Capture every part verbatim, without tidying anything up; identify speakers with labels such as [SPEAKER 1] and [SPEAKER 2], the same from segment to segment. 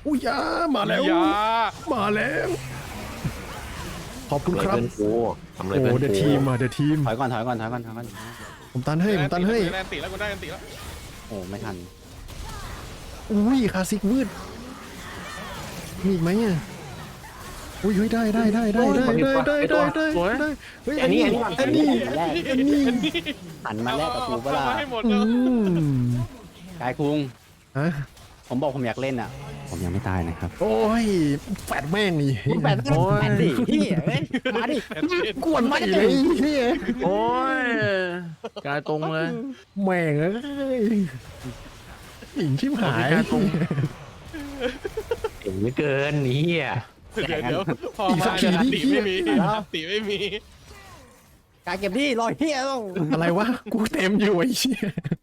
[SPEAKER 1] อุ้ยยามาแล้ว
[SPEAKER 2] ยา
[SPEAKER 1] มาแล้วขอบคุณ
[SPEAKER 3] ทำ
[SPEAKER 1] ครับ
[SPEAKER 3] เพื่อนกูทำอะไร
[SPEAKER 1] โอ้
[SPEAKER 3] เพื่อน
[SPEAKER 1] เดอะ
[SPEAKER 3] กู
[SPEAKER 1] ทีมอ่ะเดอะทีม
[SPEAKER 4] ถอยก่อนถอยก่อนถอยก่อนถอยก่อน
[SPEAKER 1] ผมตันให้ผมตันให้
[SPEAKER 2] แลนติแล้วกูได้แลนติแล้ว
[SPEAKER 4] โอ้ไม่ทัน
[SPEAKER 1] อุ้ยคลาสสิกวืดมีอีกไหมอ่ะอุ้ยเฮ้ยได้ได้ได้ได้ได้ได้ได้ได้ได้ได้เฮ้ยอันนี้อันนี้อันนี้อันนี้
[SPEAKER 4] หันมาแลกกับกูเปล่า
[SPEAKER 2] เอาให้หมด
[SPEAKER 1] อื
[SPEAKER 2] เลย
[SPEAKER 1] ม
[SPEAKER 4] กายคุง
[SPEAKER 1] ฮะ
[SPEAKER 4] ผมบอกผมอยากเล่นอ่ะ ผมยังไม่ตายนะครับ
[SPEAKER 1] โอ้ยแฟดแม่งนี่
[SPEAKER 4] แปด
[SPEAKER 1] โอ้ย
[SPEAKER 4] แปดดิพี่เอ้ยมาดิ
[SPEAKER 1] กวนมาเลยนี่
[SPEAKER 3] โอ้ยกายตรงเลย
[SPEAKER 1] แม่งเอ้ยหญิงชิบหาย
[SPEAKER 3] เก่งเหลือเกินนี่อ่ะ
[SPEAKER 2] เดี๋ยวเดี๋ยวพอมาเนี่ยติไม่มีติไม่มี
[SPEAKER 4] กายเก็บที่รอยเฮียต้อง
[SPEAKER 1] อะไรวะกูเต็มอยู่ไอ้เชี่ย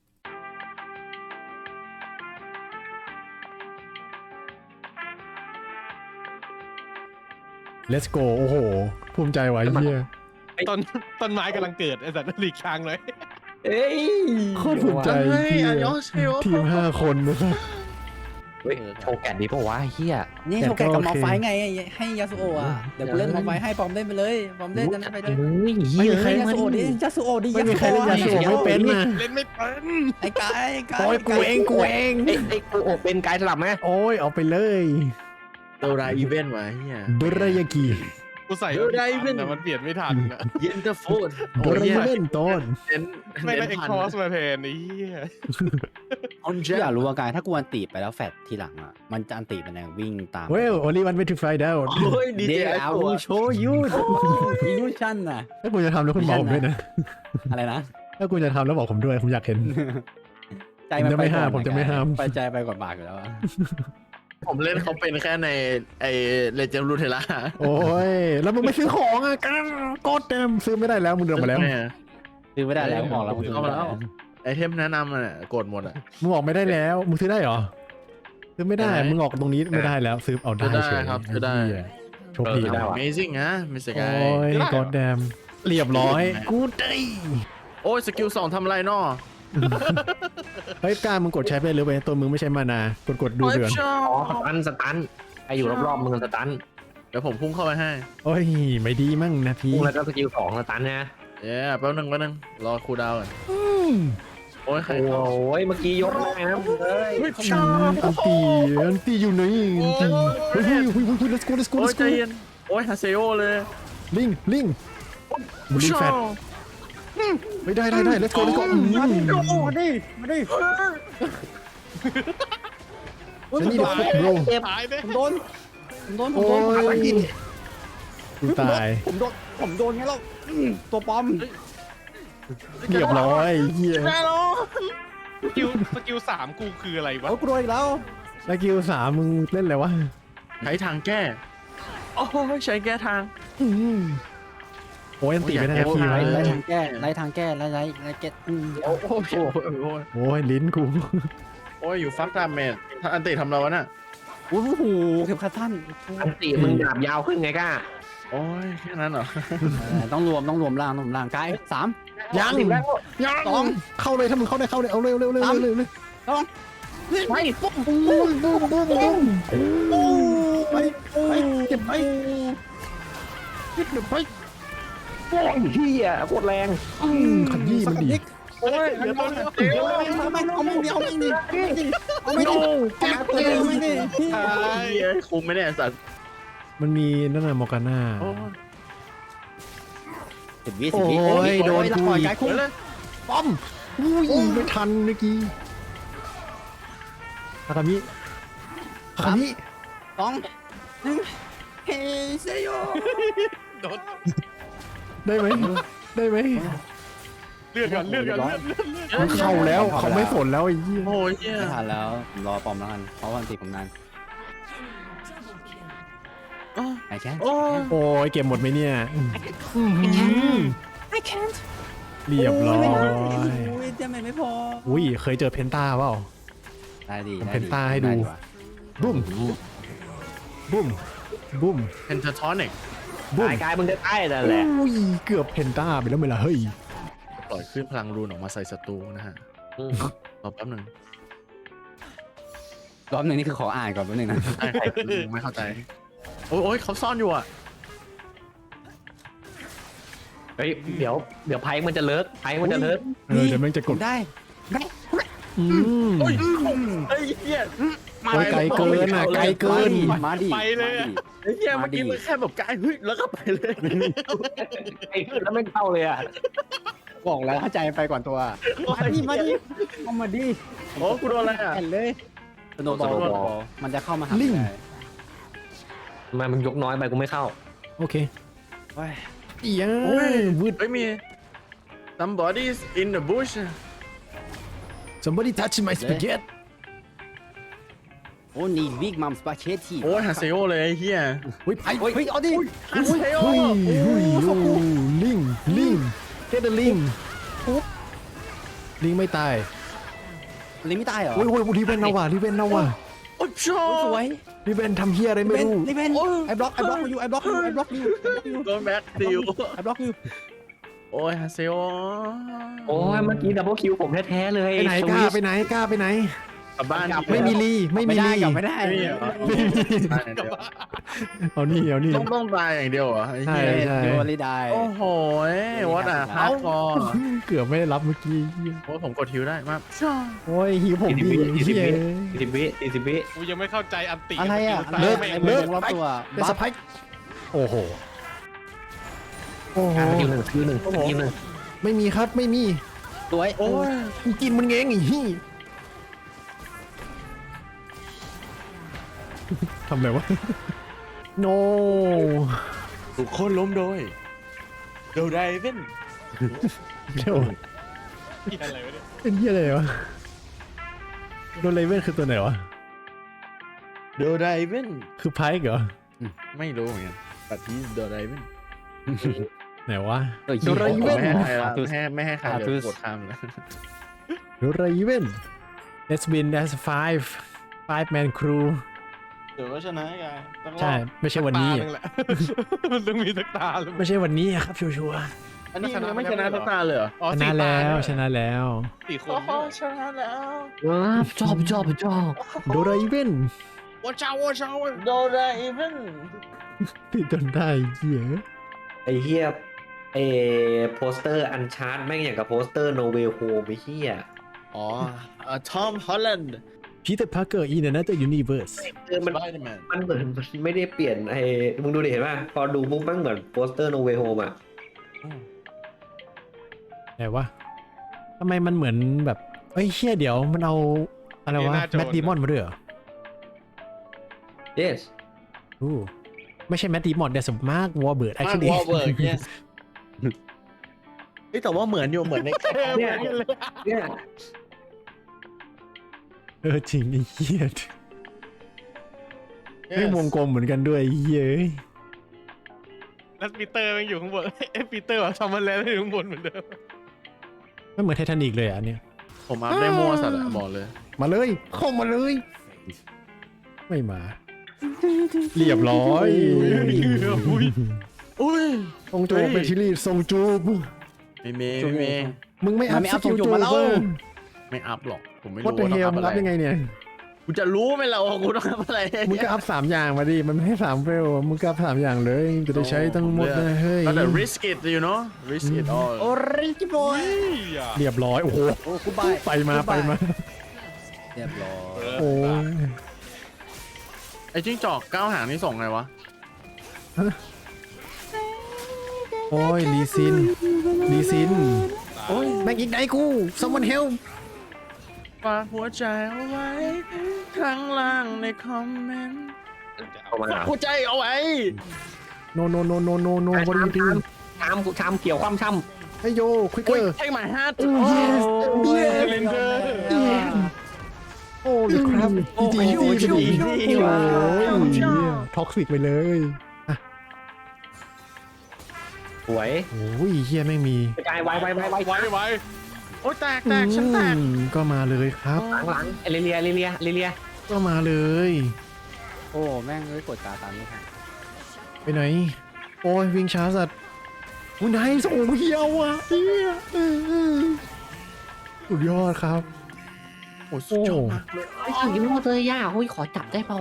[SPEAKER 1] Let's go โอ้โหภูมิใจไว้เฮีย
[SPEAKER 2] ต้นต้นไม้กำลังเกิดไอ้สัตว์หลีกทางเลย
[SPEAKER 3] เอ้ย
[SPEAKER 1] โคตรภูมิใจเฮียทีมห้าคนนะครับ
[SPEAKER 3] เฮ้ยโชว์แกนดีปะวะเฮีย
[SPEAKER 4] นี่
[SPEAKER 1] แต่
[SPEAKER 4] โชว์แกะกับ
[SPEAKER 1] ก็โอเค
[SPEAKER 4] มอไฟไงให้ยาสุโอะอ่ะเดี๋ยวกูเล่นมอไฟให้ปอมเล่นไปเลยปอมเล่นนั้นไปเลย
[SPEAKER 3] เฮ้ยเฮี
[SPEAKER 1] ไม่
[SPEAKER 3] ย
[SPEAKER 1] มีใคร
[SPEAKER 4] ยาสุโอะดิยาสุโอะดิ
[SPEAKER 1] ไม่มีใครเล่นยาสูบไม่เป็นนะ
[SPEAKER 2] เล่นไม่เป็น
[SPEAKER 4] ไอ้กายกาย
[SPEAKER 1] โอ้ยกูเองกูเอง
[SPEAKER 3] ไอ้ไอ้กูโอเป็นกายสลับไหม
[SPEAKER 1] โอ้ยเอาไปเลย
[SPEAKER 5] โดราอีเวนต์วะเฮีย
[SPEAKER 1] โดรายากิ
[SPEAKER 2] กูใส่แต่มันเปลี่ยนไม่ทันอะ
[SPEAKER 5] เย็นเตอร์โฟน
[SPEAKER 1] โดรายาเล่นต้น
[SPEAKER 5] เน้น
[SPEAKER 2] ไม่ได้
[SPEAKER 5] เน้น
[SPEAKER 2] เอ็ก
[SPEAKER 5] พัน
[SPEAKER 2] คอสมาแทนไอ้เหี้ย
[SPEAKER 5] ออนเจ
[SPEAKER 4] พี่อยากรู้ว่ากายถ้ากูอันตีไปแล้วแฟดทีหลังอ่ะมันจะอันตีเป็นแรงวิ่งตาม
[SPEAKER 1] เว้ย only one way to find out
[SPEAKER 5] โอ้ยดี
[SPEAKER 4] เด
[SPEAKER 5] เจไอ
[SPEAKER 4] อา
[SPEAKER 5] ตัว
[SPEAKER 4] วูโชยูอิลูชันน่ะ
[SPEAKER 1] ถ้าคุณจะทำแล้วคุณบอกผมด้วยนะ
[SPEAKER 4] อะไรนะ
[SPEAKER 1] ถ้าคุณจะทำแล้วบอกผมด้วยผมอยากเห็น
[SPEAKER 4] ใจมัน
[SPEAKER 1] ผมจะไม่ห้าม
[SPEAKER 4] ก่อน
[SPEAKER 1] ผมจะไม่ห้าม
[SPEAKER 4] ไปใจไปก่อนบากอยู่แล้วอะ
[SPEAKER 5] ผมเล่นเขาเป็นแค่ในไอเลเจนด์รูเทล่า
[SPEAKER 1] โอ้ย แล้วมึงไม่ซื้อของอ่ะกดเต็มซื้อไม่ได้แล้วมึงเดินมาแล้ว
[SPEAKER 4] ซื้อไม่ได้แล้วบอกแล้ว
[SPEAKER 5] เข้ามาแล้ว ไอเทมแนะนำอ่ะกดหมดอ่ะ
[SPEAKER 1] มึงออกไม่ได้แล้ว มึงซื้อได้เหรอ ซื้อไม่ได้
[SPEAKER 5] ได้ไหม
[SPEAKER 1] มึงออกตรงนี้ไม่ได้แล้ว ซื้อเอาได้
[SPEAKER 5] ซื้อได้
[SPEAKER 1] เฉย
[SPEAKER 5] ครับซื้อได้
[SPEAKER 1] เหี้ยโชคดี
[SPEAKER 3] ได้
[SPEAKER 1] นะ
[SPEAKER 3] วะ
[SPEAKER 5] Amazing นะมิสเตอร์
[SPEAKER 1] โอ้
[SPEAKER 5] กาย
[SPEAKER 1] ยกดแดมเรียบร้อยกูได้
[SPEAKER 5] โอ้ยสกิลสองทำอะไรนอ
[SPEAKER 1] เฮ้ยกล้ามึงกดใช้ไปเลยเว้ยตัวมึงไม่ใช่มานากดกดดูเดือน
[SPEAKER 5] ชอ
[SPEAKER 3] อ๋อสตันสตันไออยู่รอบๆมึงสตัน
[SPEAKER 5] เดี๋ยวผมพุ่งเข้าไปให้
[SPEAKER 1] โอ้ยไม่ดีมั่งนะพี่
[SPEAKER 3] พุ่งแล้วก็สกิลสองสตันนะ
[SPEAKER 5] เย้แป๊บนึงแป๊บนึงรอคูลดาวน์ก่อน
[SPEAKER 1] อืม
[SPEAKER 5] โอ้ยใคร
[SPEAKER 3] โอ้ยเมื่อกี้ยกได้นะมึงเอ้ย
[SPEAKER 1] อืมอันตีอันตีอยู่ไหนอันตีเฮ้ยเฮ้ยเฮ้ยเฮ้ย let's go let's go
[SPEAKER 5] โอ้ย
[SPEAKER 1] let's
[SPEAKER 5] ใจ
[SPEAKER 1] go
[SPEAKER 5] เย็นโอ้ยฮาเซโอเลย
[SPEAKER 1] ลิงลิงบลูแฟตไม่ได้ได้ได้ let's go let's go อืม
[SPEAKER 4] มาดิมาดิมาดิ
[SPEAKER 1] ฉันนี่เด็กพวกโบร
[SPEAKER 2] ตายเด้
[SPEAKER 4] ผมโดนผมโดนผม
[SPEAKER 1] โอ้
[SPEAKER 4] โดน
[SPEAKER 1] ยกูตาย
[SPEAKER 4] ผมโดนผมโดนไงแล้วตัวปอม
[SPEAKER 1] เรียบร้อยเฮีย
[SPEAKER 2] สกิลสกิลสามกูคืออะไรวะ
[SPEAKER 4] เอากูโดนอีกแล้ว
[SPEAKER 1] สกิลสามมึงเล่นอะไรวะ
[SPEAKER 5] ใช้ทางแก้โอ้ยใช้แก้ทาง
[SPEAKER 1] อืมโอ้ยอันตีไม่ได้นะพี่
[SPEAKER 4] ไล่
[SPEAKER 1] วะ
[SPEAKER 4] ไล่ทางแก้ไล่ทางแก้ไล่ไล่ไล่เก็ตอืม
[SPEAKER 5] โอ้โหโอ้ยโอ้ย
[SPEAKER 1] โอ้ยลิ้นกู
[SPEAKER 5] โอ้ยอยู่ฟักดามเมจถ้าอันติทำเราวะน่ะ
[SPEAKER 4] โอ้โหเข็มขัดท่าน
[SPEAKER 3] อันตีมึงดาบยาวขึ้นไงก้า
[SPEAKER 5] โอ้ยแค่นั้นเหรอ
[SPEAKER 4] ต้องรวมต้องรวมร่างต้องรวมร่างกายสาม
[SPEAKER 1] ยังยัง
[SPEAKER 4] สอง
[SPEAKER 1] เข้าเลยถ้ามึงเข้าได้เข้าเลยเอาเร็วเร็วเร็วเร็วเร็ว
[SPEAKER 4] สอง
[SPEAKER 1] ไปปุ้มปุ้มปุ้มปุ้มปุ้มปุ้มไปไปเก็บไปเก็บไป
[SPEAKER 3] โอ้ยเฮียโคตรแรง
[SPEAKER 1] ขยี้มันดี
[SPEAKER 4] โอ้ยเดี๋ยวต้องเดี๋ยวเอาไม่เอาไม่เดียวไม่ดีเอาไม่ดีแกเกไม่ดี
[SPEAKER 5] ไอ้เหี้ยคุมไม่ได้ไอ้สัตว์
[SPEAKER 1] มันมีนั่นน่ะมอร์กาน่า
[SPEAKER 5] โอ้ย
[SPEAKER 4] สิบวิสิบวิ
[SPEAKER 1] โอ้ยโดนกู
[SPEAKER 4] กู
[SPEAKER 1] อีก
[SPEAKER 4] กายคุ้ม
[SPEAKER 5] เลย
[SPEAKER 1] ป้อมอุ้ยไม่ทันเมื่อกี้ฮากามิฮากามิ
[SPEAKER 4] สองหนึ่งเฮ้ยเซโย
[SPEAKER 2] โดน
[SPEAKER 1] ได้ไหมได้ไหม
[SPEAKER 2] เลือดก่อนเลือดก่อนเลือดเลือดเลือด
[SPEAKER 1] มันเข้าแล้วเขาไม่สนแล้วไอ้เหี้ย
[SPEAKER 5] โอ้ยเหี้ย
[SPEAKER 4] ไม่ทันแล้วผมรอปอมแล้วกันเพราะวันติผมนานไอ้แค่
[SPEAKER 5] โอ้ย
[SPEAKER 1] โอ้ยเก็บหมดไหมเนี่ยอื้อหือ
[SPEAKER 4] I can't
[SPEAKER 1] เรียบร้อย
[SPEAKER 4] โอ้ยเจะไม่พอ
[SPEAKER 1] อุ้ยเคยเจอเพนต้าเปล่า
[SPEAKER 4] ได้ดี
[SPEAKER 1] ทำเพนต้าให้ดู บุ้มบุ้มบุ้ม
[SPEAKER 5] เพนทาทอนิก
[SPEAKER 1] บุ้ม
[SPEAKER 3] กายกายมึงจะใต้แต่แหละ
[SPEAKER 1] อุ้ยเกือบเพนต้าไปแล้วไหมล่ะเฮ้ย
[SPEAKER 5] ปล่อยขึ้นพลังรูนออกมาใส่ศัตรูนะฮะรอแป๊บหนึ่ง
[SPEAKER 4] รอบหนึ่งนี่คือขออ่านก่อนแป๊บนึงนะ
[SPEAKER 5] ใช่ไม่เข้าใจโอ้ยโอ้ยเขาซ่อนอยู่อ่ะ
[SPEAKER 3] เฮ้ยเดี๋ยวเดี๋ยวไพ่มันจะเลิกไพ่มันจะเลิก
[SPEAKER 1] เออเดี๋ยวแม่งจะกด
[SPEAKER 4] ได้
[SPEAKER 1] อืม
[SPEAKER 5] โอ้ยไอ้เหี้ย
[SPEAKER 1] โอ้ยไกลเกินอ่ะไกลเกิน
[SPEAKER 4] มาดิ
[SPEAKER 2] ไปเลยอะ
[SPEAKER 5] ไอ้เหี้ยเมื่อกี้มันแค่แบบกายเฮ้ยแล้วก็ไปเลย
[SPEAKER 3] ไอ้ขึ้นแล้วไม่เข้าเลยอ่ะ
[SPEAKER 4] บอกแล้วเข้าใจไปก่อนตัวมาดิมาดิเอามาดิ
[SPEAKER 5] โอ้กูโดนอะไรอ่ะ
[SPEAKER 4] แอนเลยสโนว์บอลมันจะเข้ามาหา
[SPEAKER 1] ลิง
[SPEAKER 4] ได้
[SPEAKER 3] ทำไมมึงยกน้อยไปกูไม่เข้า
[SPEAKER 1] โอเค
[SPEAKER 4] เฮ้ย
[SPEAKER 1] อีย
[SPEAKER 5] โอ้ย
[SPEAKER 1] วืด
[SPEAKER 5] เฮ้ยมี somebody's in the bush
[SPEAKER 1] somebody touch my spaghetti
[SPEAKER 4] โอ้นี่วิกมัมสปาเชตตี้
[SPEAKER 5] โอ้ยฮาเซโอเลยไอ้เหี้ย
[SPEAKER 1] เฮ้ยไป
[SPEAKER 4] เฮ้ยเฮ้ยเอาดิ
[SPEAKER 5] ฮาเซโอ
[SPEAKER 1] เฮ้ยเฮ้ยโอ้ลิงลิง get the ลิงลิงไม่ตาย
[SPEAKER 4] ลิงไม่ตายเหรอ
[SPEAKER 1] โอ้ยโอ้ยรีเวนเอาว่ะรีเวนเอาว่ะ
[SPEAKER 5] โอ้ยชอ
[SPEAKER 4] สวย
[SPEAKER 1] รีเวนทำเฮียอะไร
[SPEAKER 4] ลิ
[SPEAKER 1] ไม่
[SPEAKER 4] เวน
[SPEAKER 1] รู้
[SPEAKER 4] ลิเวนไอ้บล็อกไอ้บล็อกอยู่ไอ้บล็อกอยู่ไอ้บล็อกอยู่
[SPEAKER 5] โดนแบ็คดิว
[SPEAKER 4] ไอ้บล็อกอยู่
[SPEAKER 5] โอ้ยฮาเซโอ
[SPEAKER 3] โอ้ยเมื่อกี้ดับเบิลคิวผมแท้ๆเลย
[SPEAKER 1] ไปไหนกล้าไปไหนกล้าไปไหน
[SPEAKER 5] กลับบ้าน
[SPEAKER 1] ไม่มีรีไม่มี
[SPEAKER 4] ไม่ได้
[SPEAKER 1] รี
[SPEAKER 4] กลับไม่ได้
[SPEAKER 5] ไม่มีเหรอ ตายอย่างเดียว
[SPEAKER 1] เอานี่เอานี่
[SPEAKER 5] ต้องต้องตายอย่างเดียวเหรอไอ้เหี้ย
[SPEAKER 1] ใช่
[SPEAKER 4] โดนลิได้
[SPEAKER 5] โอ้โหวัดอ่ะฮาร์ดคอร์
[SPEAKER 1] เกือบไม่ได้รับเมื่อกี้
[SPEAKER 5] โอ้ยผมกดฮิวได้มาก
[SPEAKER 1] โอ้ยหิวผมดี
[SPEAKER 3] สี่สิบ
[SPEAKER 1] เฮีย
[SPEAKER 3] วิสี่สิบวิสี่สิบวิ
[SPEAKER 2] กูยังไม่เข้าใจอันติ
[SPEAKER 4] อะไรอ่ะ
[SPEAKER 2] เลิ
[SPEAKER 4] เลิ
[SPEAKER 2] ก
[SPEAKER 4] ก
[SPEAKER 2] ไม่
[SPEAKER 4] ไอ้
[SPEAKER 2] เลิ
[SPEAKER 4] เลิ
[SPEAKER 2] ก
[SPEAKER 4] กรอบตัว
[SPEAKER 1] เป็นสไปค์โอ้โหโอ้โห
[SPEAKER 3] คิวหนึ่งคิวหนึ่งคิวหนึ่ง
[SPEAKER 1] ไม่มีครับไม่มี
[SPEAKER 4] สวย
[SPEAKER 5] โอ้ย
[SPEAKER 1] กูกินมันเองไอ้ฮี่ทำอะไรวะ no
[SPEAKER 5] ทุกคนล้มโดยโดไดเวน
[SPEAKER 1] เดี๋ยว
[SPEAKER 2] อะไรวะเนี่ย
[SPEAKER 1] เป็นเฮียอะไรวะโดนเลเว่นคือตัวไหนวะ
[SPEAKER 5] โดไดเวน
[SPEAKER 1] คือไพค์เหรอ
[SPEAKER 5] ไม่รู้เหมือนกันปัดที่โดไดเวน
[SPEAKER 1] ไหนวะ
[SPEAKER 4] เฮ้ย
[SPEAKER 1] โดราเอเว่น
[SPEAKER 5] ไม่ให้ใครละไม่ให้ไม่ให้ใครเดี๋ยวกดข้ามเลย
[SPEAKER 1] โดราเอเว่น let's win as five five man crew
[SPEAKER 2] เดี๋ยวก็ชนะกันต้องรอบ
[SPEAKER 1] ใช่ไม่ใช่วันนี้
[SPEAKER 2] สักตาหงแหละ มันต้องมีสักตาเลย
[SPEAKER 1] ไม่ใช่วันนี้ครับชัวร์
[SPEAKER 5] อันนี้ยังไม่ชนะสักตาเลยเหรอ
[SPEAKER 2] อ๋อ
[SPEAKER 1] ๆช
[SPEAKER 2] สี่
[SPEAKER 1] นะ
[SPEAKER 2] ตา
[SPEAKER 1] แล้ว
[SPEAKER 2] เนี่ย
[SPEAKER 1] ชนะแล้ว
[SPEAKER 2] สี่คน
[SPEAKER 5] โอ้โห
[SPEAKER 2] เนี่ย
[SPEAKER 5] ชนะแล้ว
[SPEAKER 3] ว้าวชอบชอบชอบ
[SPEAKER 1] โดราเอเว่น
[SPEAKER 2] ว้าเจ้าว้าเจ้า
[SPEAKER 5] โดไดเวน
[SPEAKER 1] ติดจนได้เหี้ย
[SPEAKER 3] ไอ้เฮียเอโปสเตอร์อันชาร์ตแม่งอย่างกับโปสเตอร์โนเวลโฮมไอ้เฮีย
[SPEAKER 5] อ๋อทอมฮอลแลนด์
[SPEAKER 1] พีเตอร์พาร์เกอร์อินเนอร์ยูนิเวิร์ส
[SPEAKER 3] เออ
[SPEAKER 5] ส
[SPEAKER 3] มัน
[SPEAKER 5] ไปเดอร์แมน
[SPEAKER 3] มันเหมือนมันไม่ได้เปลี่ยนไอ้มึงดูดิเห็นป่ะพอดูปุ๊บมันเหมือนโปสเตอร์โนเวลโฮมอ่ะ
[SPEAKER 1] ไหนวะทำไมมันเหมือนแบบเอ้ยเชี่ยเดี๋ยวมันเอาอะไรวะแมดดีมอนมาด้วยเหรอ
[SPEAKER 3] yes
[SPEAKER 1] อู้ไม่ใช่แมดดีมอนเดสมาร์กวอร์เบิร์ด
[SPEAKER 5] มาร์
[SPEAKER 1] actually
[SPEAKER 5] วอลเบิร์ก yes เฮ้ยแต่ว่าเหมือนอยู่เหมือนใน
[SPEAKER 3] เนี่ยเนี่ย
[SPEAKER 1] เออจริงไอ้เหี้ยไม่วงกลมเหมือนกันด้วยไอ้เหี้ยเอ้ย
[SPEAKER 2] แล้วปีเตอร์มันอยู่ข้างบนเอ้ยปีเตอร์แบบทำมันแล้วอยู่ข้างบนเหมือนเดิม
[SPEAKER 1] ไม่เหมือนไททานิกเลยอ่ะอันเนี่ย
[SPEAKER 5] ผมอัพได้มั่วสัตว์อะบอกเลย
[SPEAKER 1] มาเลยเข้ามาเลย ไม่มา เรียบร้อย
[SPEAKER 2] อุ้ย
[SPEAKER 5] อุ้ย
[SPEAKER 1] ทรงจูบเป็นชิลี่ทรงจูบ
[SPEAKER 5] ไม่เมย์ไม่เมย์
[SPEAKER 1] มึงไม่อัพ
[SPEAKER 4] ไม่เอา
[SPEAKER 1] สกิล
[SPEAKER 4] ทรงจู
[SPEAKER 1] จู
[SPEAKER 4] บบ มาแล้ว
[SPEAKER 1] เว้ย
[SPEAKER 5] ไม่อัพหรอกผมไม่
[SPEAKER 1] วัด
[SPEAKER 5] รู้
[SPEAKER 1] เด
[SPEAKER 5] ว่า
[SPEAKER 1] เฮ
[SPEAKER 5] ต้อง
[SPEAKER 1] ล
[SPEAKER 5] อัพ
[SPEAKER 1] มึง
[SPEAKER 5] อะไร
[SPEAKER 1] อัพยังไงเนี่ย
[SPEAKER 5] กูจะรู้ไหมเราว่ากูต้องอัพอะไร
[SPEAKER 1] มึงก็อัพสามอย่างมาดิ มันไม่ให้สามเฟลมึงก็อัพสามอย่างเลย จะได้ใช้ทั้งหมดนะเฮ้ย
[SPEAKER 5] ก็แต่ risk it you know risk it all
[SPEAKER 4] โอ้ริจิบอย
[SPEAKER 2] อ่ะ
[SPEAKER 1] เรียบร้อย โอ้โห
[SPEAKER 4] โอ้กูบาย
[SPEAKER 1] ไปมาไปมา
[SPEAKER 4] เรียบร้อย
[SPEAKER 1] โอ้ย
[SPEAKER 5] ไอ้จิ้งจอกก้าวหางนี่ส่งไงวะ
[SPEAKER 1] โอ้ยลีซินลีซิน โอ้ยแม็กอีกไหนกู someone help
[SPEAKER 5] ฝากหัวใจเอาไว้ข้างล่างในคอมเมนต์
[SPEAKER 3] เอามา
[SPEAKER 5] ฝากหัวใจเอาไว้
[SPEAKER 1] no no no no no no what are you doing
[SPEAKER 3] ชามชามเกี่ยวความช่
[SPEAKER 1] เฮ้ยโย
[SPEAKER 5] โอ้ย
[SPEAKER 1] quicker
[SPEAKER 5] ใช่ไหมฮะ
[SPEAKER 1] yes
[SPEAKER 2] เ
[SPEAKER 1] yes
[SPEAKER 2] ลนเดอร์
[SPEAKER 1] โอ้ยครับ
[SPEAKER 5] โอ้
[SPEAKER 1] อี
[SPEAKER 5] ย
[SPEAKER 1] จี
[SPEAKER 5] โอ้ย
[SPEAKER 1] อีจี
[SPEAKER 5] โอ้ย
[SPEAKER 1] โอ้ยท็อกซิกไปเลย
[SPEAKER 3] ำสวย
[SPEAKER 1] โอ้ยเฮียไม่งมี
[SPEAKER 3] กระจายไวไวไวไว
[SPEAKER 2] ไว้ไว้
[SPEAKER 5] โอ้ยแตกแตกฉันแตก
[SPEAKER 1] อืมก็มาเลยครับ
[SPEAKER 3] หลังหลังเอลิเลียเอลิเลียเอลิเลีย
[SPEAKER 1] ก็มาเลย
[SPEAKER 4] โอ้แม่งเลยกดตาตามไม่ทัน
[SPEAKER 1] ไปไหน โอ้ยวิ่งช้าสัตว์อุ้ยนายโอ้เฮียวอ่ะเฮียเออเออสุดยอดครับ โอ้
[SPEAKER 5] อ้สุดยอดมากเลย
[SPEAKER 3] ไอ้สิ่งที่โมเตอร์ย่าเฮ้ยขอจับได้เปล่า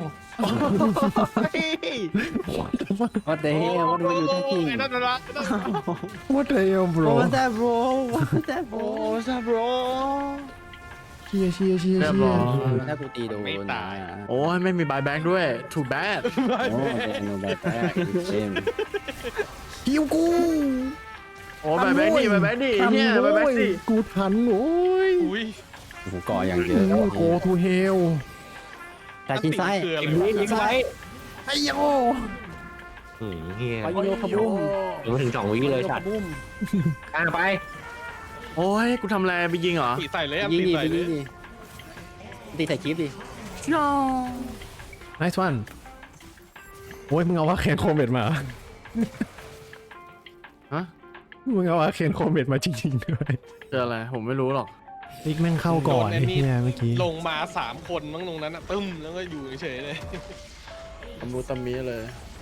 [SPEAKER 4] ว่าแต่เฮ้ยว่าดูอยู่แท้จริง
[SPEAKER 2] ไอ้นั่นนะ
[SPEAKER 1] What the hell bro
[SPEAKER 4] ว่าแต่ bro ว่าแต่ bro
[SPEAKER 5] โอ้ซาบร
[SPEAKER 1] เชียร์เชียร์เชียร์
[SPEAKER 5] เรียบ
[SPEAKER 1] เชี
[SPEAKER 5] ร้
[SPEAKER 1] ย
[SPEAKER 5] อย
[SPEAKER 1] ร์
[SPEAKER 4] ถ้ากูตีโดน
[SPEAKER 5] โอ้ยไม่มีบายแบ็กด้วย too bad
[SPEAKER 4] โอ้ยโนแบทแพ้เกม
[SPEAKER 1] คิวกู
[SPEAKER 5] โอ้บายแบ็กดิบายแบ็กดิเนี่ย
[SPEAKER 1] ทัน
[SPEAKER 5] บายแบ็ก
[SPEAKER 1] โว้ย
[SPEAKER 5] ดิ
[SPEAKER 1] กูทันโอ้ย
[SPEAKER 2] อุ้ย
[SPEAKER 4] กูก่ออย่างเยอะ
[SPEAKER 1] โกทูเฮล
[SPEAKER 4] แต่กินไส้
[SPEAKER 2] คืออะไร
[SPEAKER 3] ยิงยิงไว้
[SPEAKER 1] ไอ้โย
[SPEAKER 3] อืมเฮีย
[SPEAKER 4] ไปโยขบุ้ม
[SPEAKER 3] ยังไม่ถึงสองวิเลยสัตว์
[SPEAKER 4] บุ้ม
[SPEAKER 3] กลางไป
[SPEAKER 5] โอ้ยกูทำอะไรไปยิงเหรอ
[SPEAKER 2] ตีใส่เลยอ่ะ
[SPEAKER 4] ยิง
[SPEAKER 2] ตี
[SPEAKER 4] ดิ
[SPEAKER 2] ใส่
[SPEAKER 4] ไป
[SPEAKER 2] เล
[SPEAKER 4] ยิ
[SPEAKER 2] ย
[SPEAKER 4] งดิตีใส่คลิปดิ
[SPEAKER 1] nice one โอ้ยมึงเอาว่าเคนโคเมดมา
[SPEAKER 5] ฮะ
[SPEAKER 1] มึงเอาว่าเคนโคเมดมาจริงๆด้วย
[SPEAKER 5] เจออะไรผมไม่รู้หรอก
[SPEAKER 1] ลิกแม่งเข้าก่อนไอ้เนี่ยเมื่อกี้
[SPEAKER 2] ลงมาสามคนมั้งตรงนั้นอ่ะตึ้มแล้วก็อยู่เฉยๆเลย
[SPEAKER 5] ตำรูตำมีเลย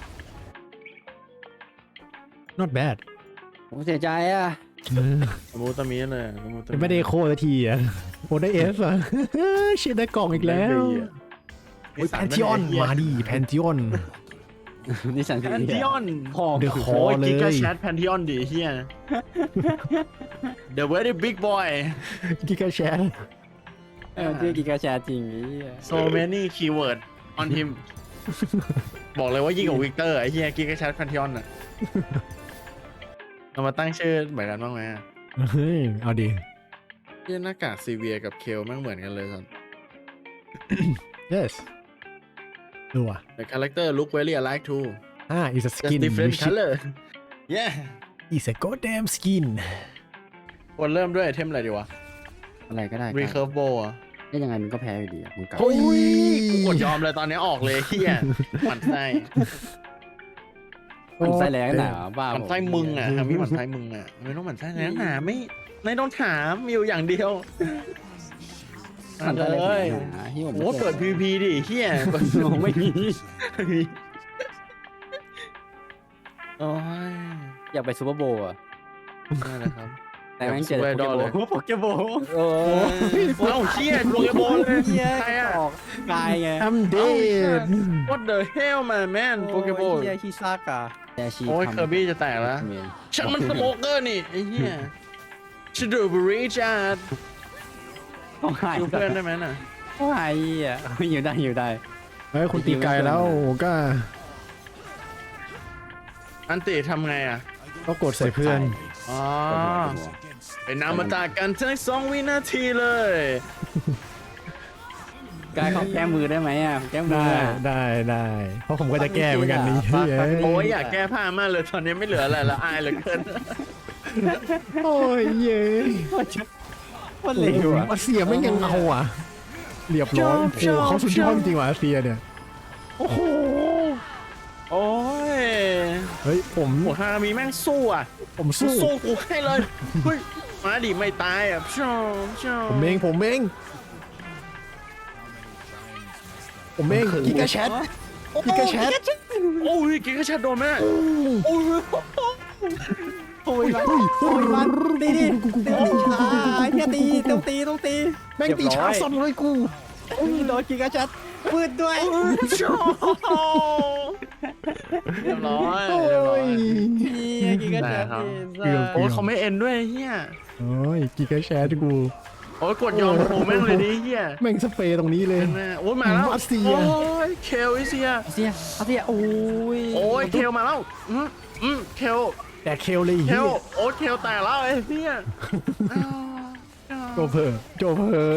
[SPEAKER 1] not bad
[SPEAKER 4] ผมเสียใจอ่ะ
[SPEAKER 1] เออ
[SPEAKER 5] ตำรูตำมีเลยตำรูตำ
[SPEAKER 1] ไม่ได้โคสักทีอ่ะโอ้ได้เอฟอ่ะ เชียร์ได้กล่องอีกแล้วโอ้ยแพนทิออนมาดิแพนทิออน
[SPEAKER 4] นี่ฉัน
[SPEAKER 5] แพนทิออน
[SPEAKER 4] พ่อ
[SPEAKER 1] เดอะคอ
[SPEAKER 5] โอ้ย
[SPEAKER 1] เล
[SPEAKER 5] กิกาย แชทแพนทิออนดิเฮีย The very big boy
[SPEAKER 1] กิกาแชท
[SPEAKER 4] เออที่กิกาแชร์จริงไอ้เหี้ย
[SPEAKER 5] so many keyword on him บอกเลยว่ายิ่งกว่าวิกเตอร์ไอ้เฮียกิกายแชทแพนทิออนอ่ะเรามาตั้งชื่อเหมือนกันบ้างไหมอะ
[SPEAKER 1] เฮ้ยเอาดิ
[SPEAKER 5] เฮียหน้ากากซีเวียกับเคลแม่งเหมือนกันเลยสัน
[SPEAKER 1] yes ดูอ่ะ
[SPEAKER 5] The character look very alike too
[SPEAKER 1] อ่า is a
[SPEAKER 5] just
[SPEAKER 1] skin
[SPEAKER 5] different
[SPEAKER 1] which
[SPEAKER 5] color yeah
[SPEAKER 1] is a goddamn skin
[SPEAKER 5] ควรเริ่มด้วยไอเทมอะไรดีวะ
[SPEAKER 4] อะไรก็ได้
[SPEAKER 5] recurve bow อะ
[SPEAKER 4] ได้ยังไงมันก็แพ้อยู่ดีอ่ะมึงกลับ
[SPEAKER 1] โอ้ย
[SPEAKER 5] กูกดยอมเลยตอนนี้ออกเลยเฮียหมันไส้
[SPEAKER 4] มันไส้แรงหนาบ้า
[SPEAKER 5] หมันไส้มึงอ่ะทำให้หมันไส้มึงอ่ะไม่ต้องหมันไส้แรงหนาไม่ไม่ต้องถามมีอยู่อย่างเดียว
[SPEAKER 4] มัน
[SPEAKER 5] เล
[SPEAKER 4] ไส้แรง
[SPEAKER 5] ย
[SPEAKER 4] หนาที่ผม
[SPEAKER 5] โอ้เปิด พี พี ดิเฮียเปิด
[SPEAKER 4] ผมไม่มี
[SPEAKER 5] โอ้ย
[SPEAKER 4] อยากไปซูเปอร์โบว์อ่ะ
[SPEAKER 5] นั่นแหละครับ
[SPEAKER 4] แต่แม่งเจอ
[SPEAKER 5] ซูเปอร์ไอดอลเลย
[SPEAKER 4] โปเกโบว์โอ้
[SPEAKER 5] โอ้ยเอ้าเฮียโปเกมอนเลย
[SPEAKER 4] เหี้ย
[SPEAKER 5] ใครอ่ะ
[SPEAKER 4] ออกกายไง
[SPEAKER 1] I'm dead
[SPEAKER 5] What the hell man man โปเกมอน
[SPEAKER 4] เฮียคีซากอะแต่ชี
[SPEAKER 5] โอ้ยเคอร์บี้จะแตกแล้ว ฉันมันสโมเกอร์นี่ไอ้เหี้ยชิดูบริจาร์ด
[SPEAKER 4] ต้องหาย
[SPEAKER 5] ดูเพื่อนได้ไหมน่ะ
[SPEAKER 4] ต้องหายอ่ะอยู่ได้อยู่ได้
[SPEAKER 1] เฮ้ยคุณตีไกลแล้วก็
[SPEAKER 5] อันติทำไงอ่ะ
[SPEAKER 1] ก็กดใส่เพื่อน
[SPEAKER 5] อ๋อเป็นนามตากันทั้งสองวินาทีเลย
[SPEAKER 4] กายของแก้มือได้ไหมอ่ะแก้มือ
[SPEAKER 1] ได้
[SPEAKER 4] อะ
[SPEAKER 1] ได้ได้เพราะผมก็จะแก้เหมือนกันนี่เฮ้ย
[SPEAKER 5] โอ้ยอยากแก้ผ้ามากเลยตอนนี้ไม่เหลืออะไรละอายเหลือเกิน
[SPEAKER 1] โอ้ยเย้
[SPEAKER 4] มันเร็วอ่ะ
[SPEAKER 1] อาเซียไม่ยังเอาอ่ะเรียบร้อยโอ้โหเขาสุดยอดจริงว่ะอาเซียเนี่ยโอ้โห
[SPEAKER 5] โอ้ย
[SPEAKER 1] เฮ้ยผม
[SPEAKER 5] หัวฮารามีแม่งสู้อ่ะ
[SPEAKER 1] ผม
[SPEAKER 5] สู้
[SPEAKER 1] สู้
[SPEAKER 5] สู้กูให้เลยเฮ้ยมาดิไม่ตายอ่ะชอบชอบ
[SPEAKER 1] ผมเองผมเองผมเองกิกาแชทกิกาแชท
[SPEAKER 5] โอ้ยกิกาชัดโดนไหมโอ้ย
[SPEAKER 4] โอ้ยมันโอ้ยมันตีดิตีดิเฮียตีต้องตีต้องตี
[SPEAKER 1] แม่งตีช้าสั่นเลยกู
[SPEAKER 4] โดนกิกาชัดปืนด้วย
[SPEAKER 5] ชอบเรียบร้อย
[SPEAKER 1] โอ้
[SPEAKER 5] เรียบร้อย
[SPEAKER 1] ย
[SPEAKER 4] กิกาชัด
[SPEAKER 5] โอ้ยเขาไม่เอ็นด้วยเฮีย
[SPEAKER 1] โอ้ยกิกาแชทกู
[SPEAKER 5] โอ้ยกดยอมโผล่แม่งเลยดิเฮีย
[SPEAKER 1] แม่งสเปรย์ตรงนี้เลย
[SPEAKER 5] แม่โอ้ยมาแล้ว
[SPEAKER 1] รัสเซีย
[SPEAKER 5] โอ้ยเคลอิเซีย
[SPEAKER 4] เสียเสียโอ้ย
[SPEAKER 5] โอ้ยเคลมาแล้วอืมอืมเคล
[SPEAKER 1] แต่เคลเลย
[SPEAKER 5] เค
[SPEAKER 1] เฮี
[SPEAKER 5] ล
[SPEAKER 1] ย
[SPEAKER 5] โอ้ยเคลแตกแล้วไอ้เฮีย
[SPEAKER 1] โจเพอโจเพอ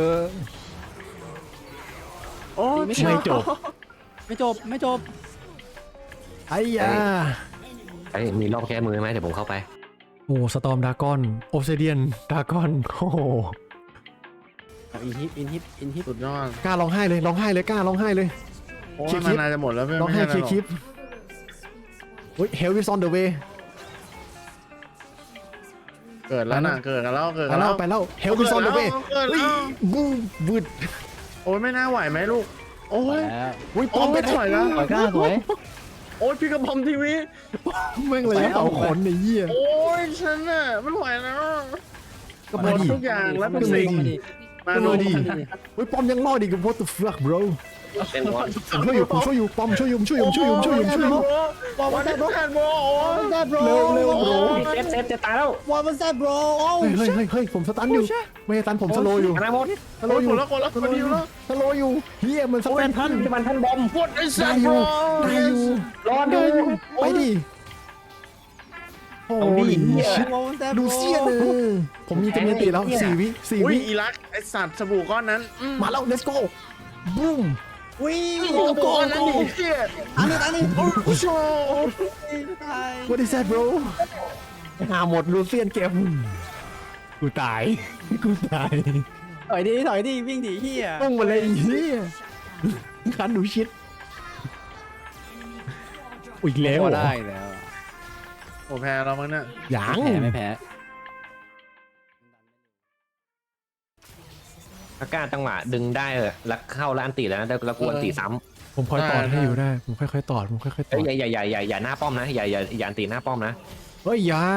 [SPEAKER 5] โอ้ย
[SPEAKER 1] ไม่จบ
[SPEAKER 4] ไม่จบไม่จบ
[SPEAKER 1] ไอ้ยา
[SPEAKER 3] ไอ้ยมีรอบแก้มือไหมเดี๋ยวผมเข้าไป
[SPEAKER 1] โอ้สตอมดากอนโอเซเดียนดากอนโอ้โห
[SPEAKER 4] อินฮิตอินฮิตอินฮิต
[SPEAKER 5] สุดยอด
[SPEAKER 1] กล้าร้องไห้เลยร้องไห้เลยกล้าร้องไห้เลย
[SPEAKER 5] โอ้
[SPEAKER 1] เคลี
[SPEAKER 5] ย
[SPEAKER 1] ยร์คลิ
[SPEAKER 5] มัน
[SPEAKER 1] ป
[SPEAKER 5] น่าจะหมดแล้วเพื่อน
[SPEAKER 1] ร้องไห้เคลียร์คลิปเฮ้ย Hell is on the way
[SPEAKER 5] เกิดแล้วน่ะเกิดกันแล้วเกิด
[SPEAKER 1] ไป
[SPEAKER 5] กัน
[SPEAKER 1] แล้
[SPEAKER 5] แล้ว ว
[SPEAKER 1] ไปแล้ว Hell is on the way
[SPEAKER 5] เกิด
[SPEAKER 1] เฮ้ย
[SPEAKER 5] แล้ว
[SPEAKER 1] บูบึด
[SPEAKER 5] โอ้ยไม่น่าไหวไหมลูกโอ้ย
[SPEAKER 4] แล้ว
[SPEAKER 1] อุ้ยปอมไป
[SPEAKER 5] ถอยแล้ว
[SPEAKER 4] สวยกล้าสวย
[SPEAKER 5] โอ้ยพี่กระพอมทีวี
[SPEAKER 1] แม่งเลยเอาขนในเยี่ย
[SPEAKER 5] โอ้ยฉันน่ะไม่ไหวแล้ว
[SPEAKER 1] ก็
[SPEAKER 5] หม
[SPEAKER 1] มา
[SPEAKER 5] ด
[SPEAKER 1] ดิ
[SPEAKER 5] ทุกอย่างแล้ว
[SPEAKER 1] ก็
[SPEAKER 5] เป็น
[SPEAKER 1] มา
[SPEAKER 5] สิ่ง
[SPEAKER 1] ดิ
[SPEAKER 5] มา
[SPEAKER 1] เอ
[SPEAKER 5] ดู
[SPEAKER 1] อดีเฮ้ยปอมยังรอดอีก what the fuck bro
[SPEAKER 3] เป็นวอน
[SPEAKER 1] ผมช่วยอยู่ผมช่วยอยู่ปอมช่วยอยู่ช่วยอยู่ช่วยอยู่ช่วยอยู่ช่วยอยู่
[SPEAKER 4] What was that bro
[SPEAKER 5] แอนโบ
[SPEAKER 4] What was that bro
[SPEAKER 1] เร็วเร็ว bro
[SPEAKER 3] เซฟเซฟจะตายแล้ว
[SPEAKER 4] What was that bro โอ้
[SPEAKER 1] เฮ้ยเฮ้ยเฮ้ยเฮ้ยผมสตันอยู่ไม่ใช่สตันผมสโลอยู่
[SPEAKER 3] อนาโมด
[SPEAKER 1] สโล
[SPEAKER 5] โอ้ย
[SPEAKER 1] อ
[SPEAKER 5] ค
[SPEAKER 1] ยู่
[SPEAKER 5] นละคนละคนเดียวแล้ว
[SPEAKER 1] สโลอยู่เฮียมันส
[SPEAKER 3] โอ้
[SPEAKER 1] ตั
[SPEAKER 3] ย
[SPEAKER 1] น
[SPEAKER 3] พันมันพันบอม
[SPEAKER 5] What is
[SPEAKER 1] ได้
[SPEAKER 5] that
[SPEAKER 1] อยู่
[SPEAKER 5] bro
[SPEAKER 1] ได้อยู่
[SPEAKER 3] รอ
[SPEAKER 1] ได้
[SPEAKER 3] ดู
[SPEAKER 1] อยู่ไปดิโอ้
[SPEAKER 3] เอาดิ
[SPEAKER 1] ย
[SPEAKER 3] เหี้ย
[SPEAKER 1] ชิด
[SPEAKER 4] What was that
[SPEAKER 1] ดู
[SPEAKER 4] bro
[SPEAKER 1] เสียเลยผมมีจำนวนตีแล้วสี่วิสี่
[SPEAKER 5] อุ้ย
[SPEAKER 1] วิ
[SPEAKER 5] อีรักไอสัตว์สบู่ก้อนนั้นอืม
[SPEAKER 1] มาแล้ว let's go บูม
[SPEAKER 4] วิ่ง
[SPEAKER 5] สบู่ก้อนนั้นดิเชี่ย
[SPEAKER 4] อันนี้อันนี้
[SPEAKER 5] โอ้โห
[SPEAKER 4] ตาย
[SPEAKER 1] what is that bro หาหมดลูเซียนเกมกูตายกูตาย
[SPEAKER 4] ถอยดิถอยดิวิ่งดิเฮีย
[SPEAKER 1] ต้องมาเลยไอ้เฮียคันหนูชิดอีกแล้วเหรอ
[SPEAKER 4] ได้แล้ว
[SPEAKER 5] โอ้แพ้แล้วมั้งเนี่ย
[SPEAKER 1] ยัง
[SPEAKER 4] แพ้ไม่แพ้
[SPEAKER 3] อาการจังหวะดึงได้เออแล้วเข้าแล้วอันตีแล้วนะแล้วกวนตีซ้
[SPEAKER 1] ผมคอยตอดให้อยู่ได้ ผมค่อยๆตอดผมค่อยๆ
[SPEAKER 3] ำ
[SPEAKER 1] ต
[SPEAKER 3] เอ้
[SPEAKER 1] อย ด
[SPEAKER 3] อย่าอย่าอย่าอย่าอย่าหน้าป้อมนะอย่าอย่าอย่าอันตีหน้าป้อมนะ
[SPEAKER 1] เฮ้ยอยา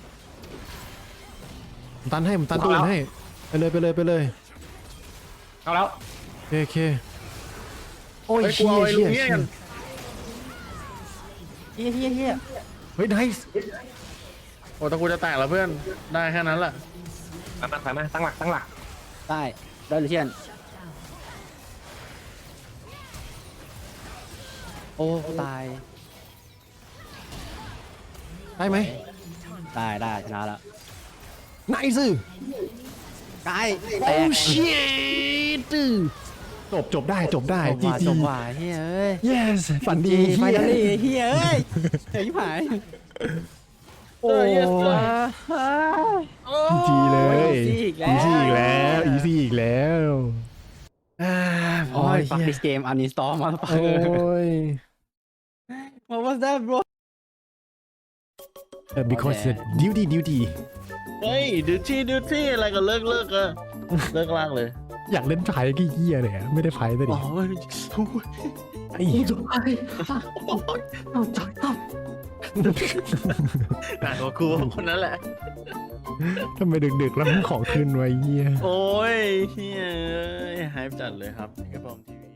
[SPEAKER 1] ผมตันให้ผมตันตัวอื่นให้ไปเลยไปเลยไปเลย
[SPEAKER 3] เข้าแล้ว
[SPEAKER 1] โอเคโอ้ย
[SPEAKER 5] ไอ้ยกู
[SPEAKER 1] เชี่ย
[SPEAKER 5] เอาไอ้ลุ
[SPEAKER 1] เชี่ย
[SPEAKER 5] งเนี่ยกัน
[SPEAKER 4] เฮียเฮียเฮีย
[SPEAKER 1] เฮ้ยไนส์
[SPEAKER 5] โอ้ตะกูจะแตกแล้วเพื่อนได้แค่นั้นแหละ
[SPEAKER 3] มามาไปมาตั้งหลักตั้งหลัก
[SPEAKER 4] ได้ได้หรือเชียนโอ้ตาย
[SPEAKER 1] ได้ไหม
[SPEAKER 4] ได้ได้ชนะแล้ว
[SPEAKER 1] ไนส์
[SPEAKER 4] ไกลแต
[SPEAKER 1] โอ้
[SPEAKER 4] ก
[SPEAKER 1] ชิตจบจบได้จบได้
[SPEAKER 4] จบ
[SPEAKER 1] จี
[SPEAKER 4] ว่า
[SPEAKER 1] จี
[SPEAKER 4] จบว่าเฮ้ยเอ้ย
[SPEAKER 1] yes ฝันดี
[SPEAKER 4] ไฟ
[SPEAKER 1] เฮีย
[SPEAKER 4] นอลลี่เฮ้ยเอ้ยเฮ้ยหาย
[SPEAKER 1] โอ้ยจีเลย
[SPEAKER 4] อีซี่อีกแล้ว
[SPEAKER 1] อีซี่อีกแล้วอีซี่อีกแล้วอ่า
[SPEAKER 4] โอ้ยฟัก
[SPEAKER 1] เหี้
[SPEAKER 4] this game uninstall มาแล้วปะ
[SPEAKER 1] โอ้ย
[SPEAKER 4] What was that bro
[SPEAKER 1] เออ because
[SPEAKER 4] โอเค
[SPEAKER 1] duty duty
[SPEAKER 5] เฮ้ยดิวตี้ดิวตี้อะไรก็เลิกเลิกอะเลิกลากเลย
[SPEAKER 1] อยากเล่นไพ่กี่เหี้ยเลยอะไม่ได้ไพ่แต่ดิ
[SPEAKER 5] โอ้ย
[SPEAKER 1] ไอ้
[SPEAKER 5] หนักกว่ากูคนนั้นแหละ
[SPEAKER 1] ทำไมดึกๆแล้วมันของขึ้นไว้เหี้ย
[SPEAKER 5] โอ้ยเฮ้ยหายจัดเลยครับนี่ก็พร้อมทีวี